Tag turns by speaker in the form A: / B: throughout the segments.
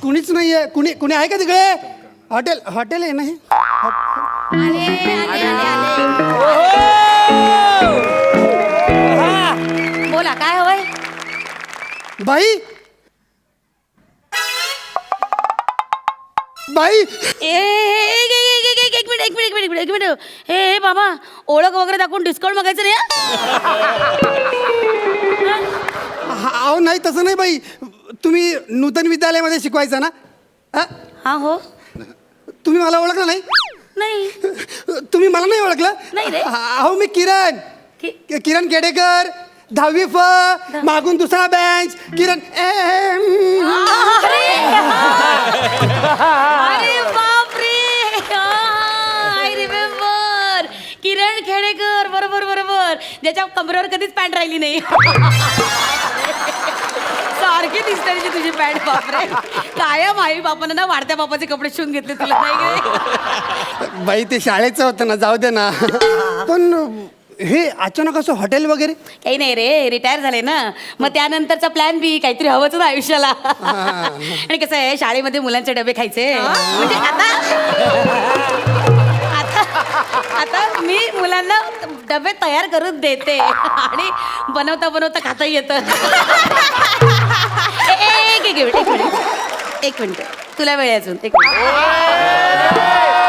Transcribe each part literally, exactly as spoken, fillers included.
A: कुणीच नाहीये. कुणी कुणी आहे का तिकडे? हॉटेल हॉटेल आहे ना हे?
B: बोला काय हवंय?
A: बाई बाई
B: ए एक एक एक मिनिट एक मिनिट एक मिनिट एक मिनिट एक मिनिट हे हे बाबा ओळख वगैरे दाखवून डिस्काउंट मागायचं नाही हं?
A: हा, अहो नाही तसं नाही बाई. तुम्ही नूतन विद्यालयामध्ये शिकवायचं ना? हा?
B: हा हो
A: तुम्ही मला ओळखलं नाही?
B: नाही
A: तुम्ही मला नाही ओळखलं?
B: नाही रे.
A: अहो मी किरण
B: कि-
A: कि- किरण केडेकर दहावी फ मागून दुसरा बेंच किरण एम.
B: अरे अरे बापरे आय रिमेंबर किरण खेडेकर बरोबर बरोबर ज्याच्या कमरेवर कधीच पॅन्ट राहिली नाही सारखी दिसते त्याची तुझी पॅन्ट बापरे कायम आई बापानं ना वाढत्या बापाचे कपडे शिवून घेतले तुला नाही काय
A: बाई ते शाळेचं होतं ना, जाऊ दे ना. पण हे अचानक असं हॉटेल वगैरे?
B: काही नाही रे रिटायर झाले ना मग त्यानंतरचा प्लॅन बी काहीतरी हवंच ना आयुष्याला आणि कसं आहे शाळेमध्ये मुलांचे डबे खायचे म्हणजे आता आता आता मी मुलांना डबे तयार करून देते आणि बनवता बनवता खाता येतं एक एक मिनिट एक मिनिट एक मिनिट तुला वेळ आहे अजून एक मिनिट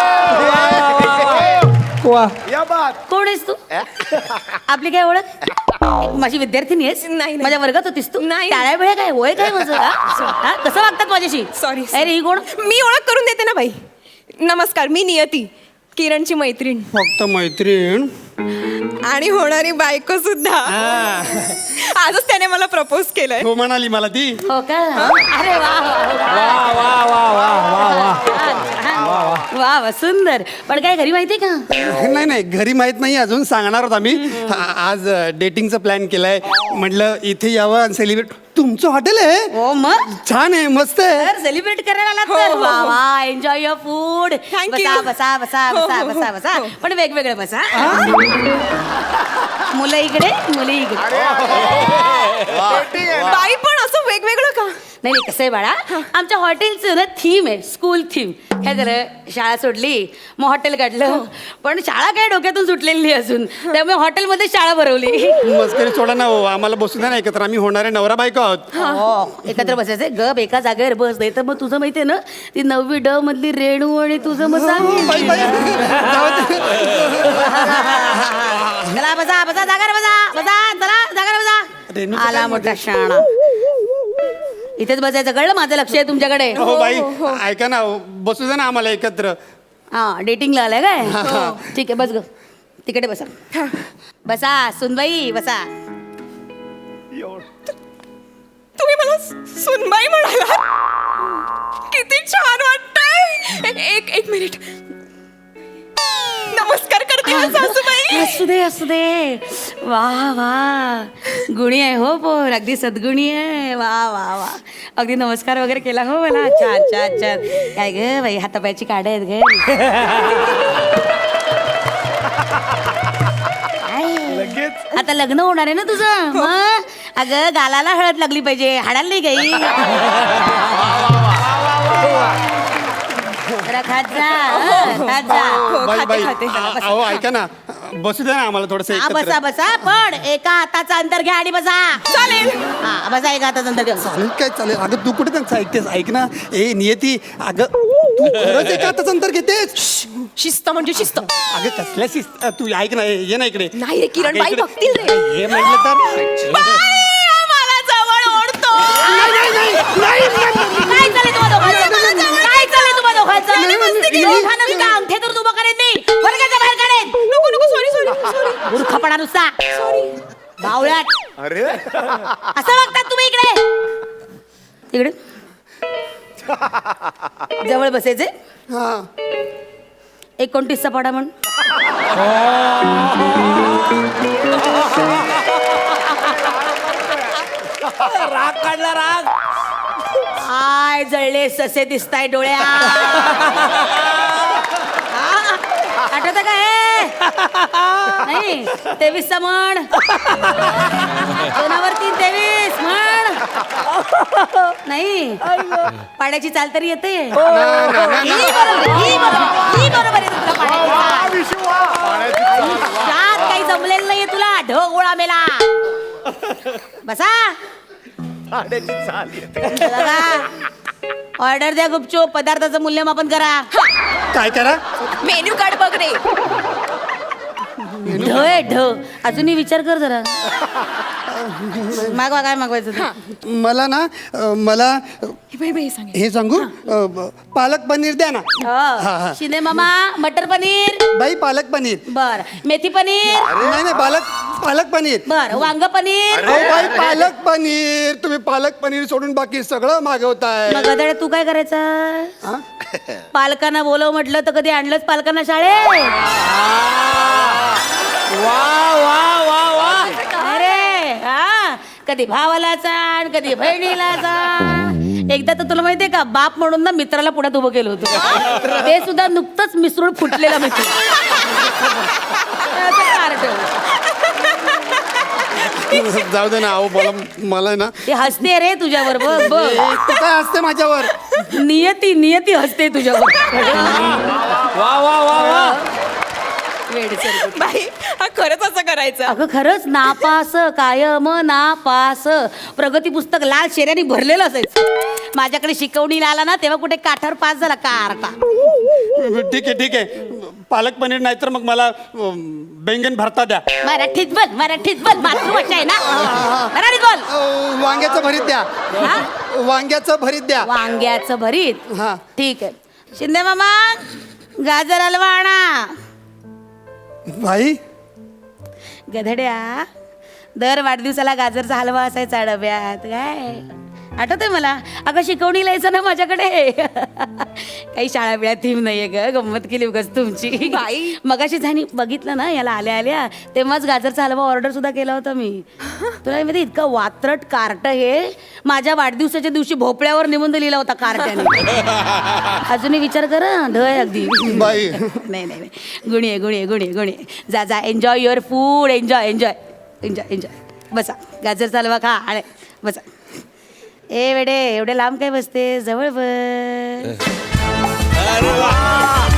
B: कोण आहेस तू आपली काय ओळख माझी विद्यार्थिनी आहेस
C: नाही
B: माझ्या वर्गात होतीस तू
C: नाही.
B: टाळ्या वेळ काय वय काय माझं हा? हा? कसं वागतात माझ्याशी
C: सॉरी
B: अरे ही कोण
C: मी ओळख करून देते ना बाई. नमस्कार मी नियती किरणची मैत्रीण
A: फक्त मैत्रीण
C: आणि होणारी बायको सुद्धा. आजच त्याने मला प्रपोज केलंय.
A: हो म्हणाली मला ती.
B: हो का अरे वा
A: वा वा वा वा वा वा
B: वा वा सुंदर पण काय घरी माहितीये का
A: नाही नाही घरी माहित नाही अजून. सांगणार आहोत आम्ही. आ- आज डेटिंगचा प्लॅन केलाय. म्हटलं इथे यावं आणि सेलिब्रेट. तुमचं हॉटेल आहे?
B: हो मग
A: छान आहे मस्त आहे.
B: तर सेलिब्रेट करायला आलात
C: हो,
B: तर
C: हो,
B: वा
C: हो.
B: वा एन्जॉय युअर फूड
C: Thank
B: बसा
C: you.
B: बसा बसा
C: हो,
B: बसा
C: हो, हो,
B: बसा बसा
C: हो.
B: पण वेगवेगळे बसा मुलं इकडे मुली इकडे
C: बाई पण असं वेगवेगळं का?
B: नाही नाही कसं आहे बाळा आमच्या हॉटेलचं ना थीम आहे स्कूल थीम काय झालं शाळा सोडली मग हॉटेल काढलं पण शाळा काय डोक्यातून सुटलेली नाही अजून त्यामुळे हॉटेलमध्ये शाळा भरवली
A: मस्करी सोडा ना हो. आम्हाला बसू द्या ना एकत्र. आम्ही होणारे नवरा बायको आहोत.
B: हो एकत्र बसायचंय गप एका जागेवर बस नाही तर मग तुझं माहितीये ना ती नववी ड मधली रेणू आणि तुझं मग सांग
A: बाई, बाई. जाऊ दे.
B: चला बसा बसा जागार बसा बसा चला जागार
A: रेणूचं
B: बसा आला
A: काय
B: मोठा शाणा इथेच बसायचं कळलं माझं लक्ष आहे तुमच्याकडे
A: हो बाई ऐका ना बसू द्या ना आम्हाला एकत्र.
B: हा डेटिंगला आलाय काय ठीक आहे बस ग तिकडे बसा बसा सुनबाई बसा
C: तुम्ही मला सुनबाई म्हणाला किती छान वाटतंय. एक एक मिनिट नमस्कार करते हा सासूबाई.
B: असू दे असू दे वा वा गुणी आहे हो पोर अगदी सद्गुणी आहे वा वा वा अगदी नमस्कार वगैरे केला हो मला छान छान छान काय ग बाई हातापायची काढ आहेत ग काय? आता लग्न होणार आहे ना तुझं मग अगं गालाला हळद लागली पाहिजे हाडाला नाही काही जरा खात जा हं, खात जा
C: हो,
A: बाई
C: खाते,
A: बाई
C: खाते.
A: आ- अहो ऐका ना बसू द्या ना आम्हाला थोडस
B: हा बसा
A: एकत्र.
B: बसा पण एका हाताचा अंतर घ्या आणि बसा
C: चालेल.
B: हा बसा एका हाताचा अंतर घ्या
A: चालेल काय चालेल. अगं तू कुठे त्यांचं ऐकतेस? ऐक ना ए नियती अगं तू खरंच एका हाताचं अंतर घेतेस?
C: शिस्त म्हणजे शिस्त.
A: अगं कसल्या शिस्त तू ऐक ना ये ना इकडे.
C: नाही रे, किरण
A: अगं,
C: बाई
A: इकडे.
C: बघतील रे.
A: हे म्हटलं तर
C: बाई, मला जवळ ओढतो.
A: नाही, नाही, नाही, नाही, नाही.
B: काय चालेल तुम्हा दोघांचं काय चालेल तुम्हा दोघांचं
A: नाही, नाही, नाही.
B: दोघांना नुसतं अंगठे तर उभं करेन मी वर्गाच्या बाहेर काढेन
C: नको नको सॉरी सॉरी सॉरी
B: मूर्खपणा नुसता बावळ्यात
D: अरे
B: असं बघतात तुम्ही इकडे इकडे जवळ बसायचे
A: हा
B: एकोणतीसचा पाडा म्हण
D: राग काढला राग.
B: आय जळले ससे दिसताय डोळ्या आठवत का हे नाही तेवीसचा म्हण दोनावर तीन तेवीस म्हण नाही पाड्याची चाल तरी येते ही बरोबर, ही बरोबर, ही बरोबर आहे तुला पाड्याची चाल. आयुष्यात काही जमलेलं नाहीये तुला ढग गोळा मेला. बसा ऑर्डर द्या गुपचूप, पदार्थाचं मूल्यमापन करा.
A: काय करा?
C: मेन्यू कार्ड बघ रे.
B: ढ आहे ढ. अजूनही विचार कर जरा. मागवा काय मागवायचं ते.
A: मला ना अ, मला अ,
C: बाई बाई सांग.
A: हे सांगू अ, ब- पालक पनीर द्या ना. हा, हा.
B: हो. शिंदे मामा मटर पनीर.
A: बाई पालक पनीर.
B: बर मेथी पनीर.
A: नाही नाही पालक पालक पनीर.
B: बर वांग पनीर.
A: अहो बाई पालक पनीर. तुम्ही पालक पनीर सोडून बाकी सगळं मागवताय.
B: मग गदाड्या तू काय करायचं?
A: हा?
B: पालकांना बोलव म्हटलं तर कधी आणलंच पालकांना शाळेत?
D: वा वा वा वा
B: अरे हा कधी भावाला चाण कधी बहिणीला चाण. एकदा तर तुला माहितीये का बाप म्हणून ना मित्राला पुढ्यात उभं केलं होतं. ते सुद्धा नुकतंच मिसळून फुटलेला मित्र. असं कार्ट.
A: जाऊ दे ना अहो मला मला ना
B: ते हसते रे तुझ्यावर बघ बघ.
A: ए, तू काय असते माझ्यावर?
B: नियती नियती हसते तुझ्यावर.
D: वा वा वा वा
B: वेडसर.
C: बाई हा खरंच असं करायचं.
B: अगं खरंच नापास कायम नापास. प्रगती पुस्तक लाल शेऱ्याने भरलेलं असायचं. माझ्याकडे शिकवणीला आला ना तेव्हा कुठे काठावर पास झाला कारटा.
A: ठीक आहे ठीक आहे पालक पनीर नाही तर मग मला अ, बैंगन भरता द्या.
B: मराठीत बोल मराठीत बोल मातृभाषा आहे ना. मराठीत बोल.
A: अ, वांग्याचं भरीत द्या.
B: हा?
A: वांग्याचं भरीत द्या.
B: वांग्याचं भरीत.
A: हा.
B: ठीक आहे. शिंदे मामा गाजर हलवा आणा.
A: भाई
B: गधड्या दर वाढदिवसाला गाजरचा हलवा असायचा डब्यात. काय आठवतंय मला. अगं शिकवणीला यायचं ना माझ्याकडे. काही शाळा बिळा थीम नाहीये ग. गंमत केली उगाच तुमची.
C: बाई.
B: मगाशी झाली बघितलं ना याला आल्या आल्या तेव्हाच गाजरचा हलवा ऑर्डर सुद्धा केला होता मी. तुला माहिती इतकं वात्रट कार्ट हे माझ्या वाढदिवसाच्या दिवशी भोपळ्यावर निबंध लिहिला होता कार्ट्याने. अजूनही विचार कर हं, ढ आहे अगदी.
A: बाई
B: नाही नाही नाही गुणी आहे गुणी आहे गुणी आहे गुणी आहे. जा जा enjoy your food. Enjoy enjoy enjoy enjoy. बसा गाजरचा हलवा खा आणि बसा. ए वेडे एवढे लांब काय बसते जवळ बस.
D: अरे वा